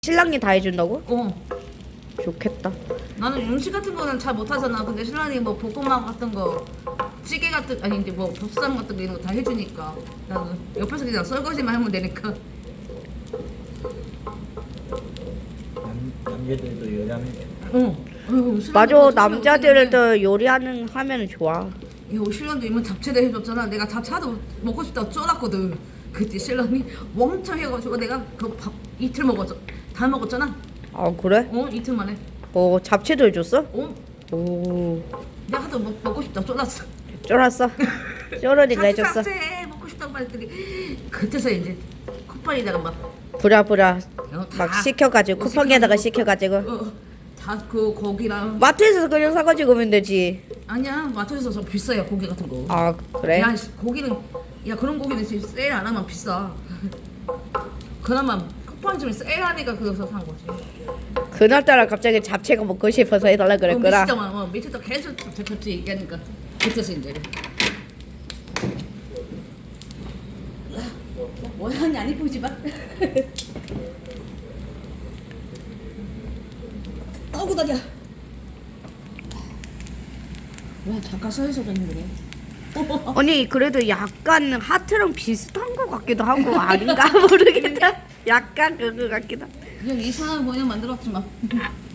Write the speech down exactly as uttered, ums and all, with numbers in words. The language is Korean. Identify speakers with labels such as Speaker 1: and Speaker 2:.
Speaker 1: 신랑이 다 해준다고?
Speaker 2: 어.
Speaker 1: 좋겠다.
Speaker 2: 나는 음식 같은 거는 잘 못하잖아. 근데 신랑이 뭐 볶음밥 같은 거, 찌개 같은 아니 이제 뭐 보쌈 같은 거 이런 거 다 해주니까 나는 옆에서 그냥 설거지만 하면 되니까.
Speaker 3: 남, 남자들도 요리하면 돼.
Speaker 2: 어. 어휴, 신랑도
Speaker 1: 맞아,
Speaker 2: 그거
Speaker 1: 남자들도 요리하는 하면 좋아.
Speaker 2: 이거 신랑도 이번 잡채도 해줬잖아. 내가 잡채 하도 먹고 싶다고 쫄았거든. 그때 신랑이 왕창 해가지고 내가 그 밥 이틀 먹었어. 다 먹었잖아.
Speaker 1: 아 그래?
Speaker 2: 어 이틀 만에.
Speaker 1: 어 잡채도 해줬어?
Speaker 2: 어
Speaker 1: 오
Speaker 2: 내가 하도 먹, 먹고 싶다고 쫄았어.
Speaker 1: 쫄았어. 쫄으니까 해줬어.
Speaker 2: 잡채 먹고 싶다고 말했더니 그때서 이제 쿠팡에다가 막
Speaker 1: 부랴부랴
Speaker 2: 어,
Speaker 1: 막
Speaker 2: 다
Speaker 1: 시켜가지고
Speaker 2: 어,
Speaker 1: 쿠팡에다가
Speaker 2: 시켜가지고.
Speaker 1: 시켜가지고
Speaker 2: 어, 다 그 고기랑
Speaker 1: 마트에서 그냥 사가지고 오면 되지.
Speaker 2: 아니야 마트에서 좀 비싸요 고기 같은 거.
Speaker 1: 아 그래?
Speaker 2: 야 씨, 고기는 야 그런 고기는 지금 세일 안 하면 비싸. 그나마 쿠팡 좀 세일하니까 그래서 산 거지.
Speaker 1: 그날따라 갑자기 잡채가 먹고 싶어서 해달라 그랬구나.
Speaker 2: 어, 미치다 어, 미치다 계속 잡채 잡채 얘기하니까 그때서 이제. 뭐 하니 안 이쁘지만. 아우고 다리야. 와 잠깐 서 있어 줬는데.
Speaker 1: 아니 그래도 약간 하트랑 비슷한 것 같기도 하고 아닌가 모르겠다. 약간 그거 같기도.
Speaker 2: 그냥 이상한 모양 만들었지 마.